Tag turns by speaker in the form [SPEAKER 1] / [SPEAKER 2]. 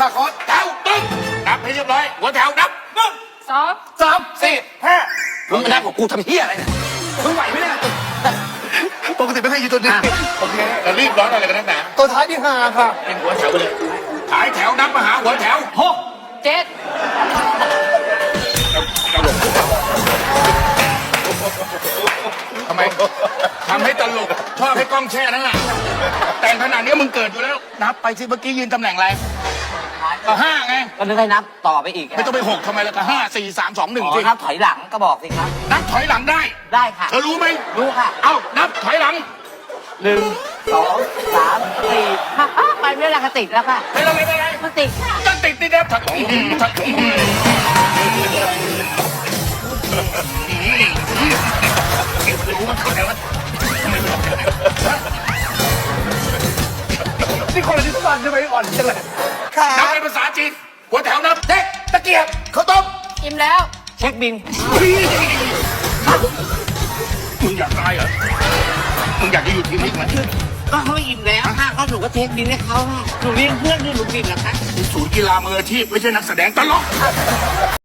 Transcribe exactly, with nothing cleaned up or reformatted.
[SPEAKER 1] าคอสแถวตึ้งนับให้เรียบร้อยหัวแถวนับหนึ่ง
[SPEAKER 2] สอง
[SPEAKER 1] สามสี่ห้ามึงมานับกับกูทำเฮียอะไรเนี่ยมึงไหวไหมเนี่ยปกติไม่เคยอยู่ตัวนี้โอเคแต่รีบร้อนอะไรกันนักหนาตัวท้ายที่ห้าค่ะเป็นหัวแถวไปเลยท้ายแถวนับมาหาหัวแถวหก
[SPEAKER 2] เจ็ด
[SPEAKER 1] ทำไมทำให้ตลกชอบให้กล้องแช่นั่นแหละแต่งขนาดนี้มึงเกิดอยู่แล้วนับไปสิเมื่อกี้ยืนตำแหน่งอะไรก็ห้าไง
[SPEAKER 3] ก็นึกให้นับต่อไปอีก
[SPEAKER 1] ไม่ต้องไปหกทำไมล่ะก็ห้าสี่สามสองหนึ่ง
[SPEAKER 3] อ๋
[SPEAKER 1] สิ
[SPEAKER 3] อนับถอยหลังก็บอกสิครับ
[SPEAKER 1] นับถอยหลังได้
[SPEAKER 3] ได้ค่ะ
[SPEAKER 1] เธอรู้ไหม
[SPEAKER 3] รู้ค่ะ
[SPEAKER 1] เอ้านับถอยหลัง
[SPEAKER 3] หนึ่งสองสามสี่ห้าอ้าวไปไม่ได้กระติกแล้วค่ะ
[SPEAKER 1] ไม่เป็นไรไม่เป็นไร
[SPEAKER 3] กระติกค่ะ
[SPEAKER 1] จะติดติดนะถักถักรู้ว่าเขาไหนวะ
[SPEAKER 4] นี่คนละที่สั้นใช่ไหมอ่อนจังเลย
[SPEAKER 1] นับเป็นภาษาจีนหัวแถวนับเด็กตะเกียบข้าวต้ม
[SPEAKER 2] อิ่มแล้ว
[SPEAKER 3] เช็คบิน
[SPEAKER 1] มึงอยากตายเหรอมึงอยากจะอยู่ที่นี่ไหม
[SPEAKER 3] ก็เขาอิ่มแล้วค่ะก็หนูก็เช็คบินให้เขาค่ะหนูเลี้ยงเพื่อนด้วยหนูบินเหรอคะ
[SPEAKER 1] ศูนย์กีฬามืออาชีพไม่ใช่นักแสดงตลก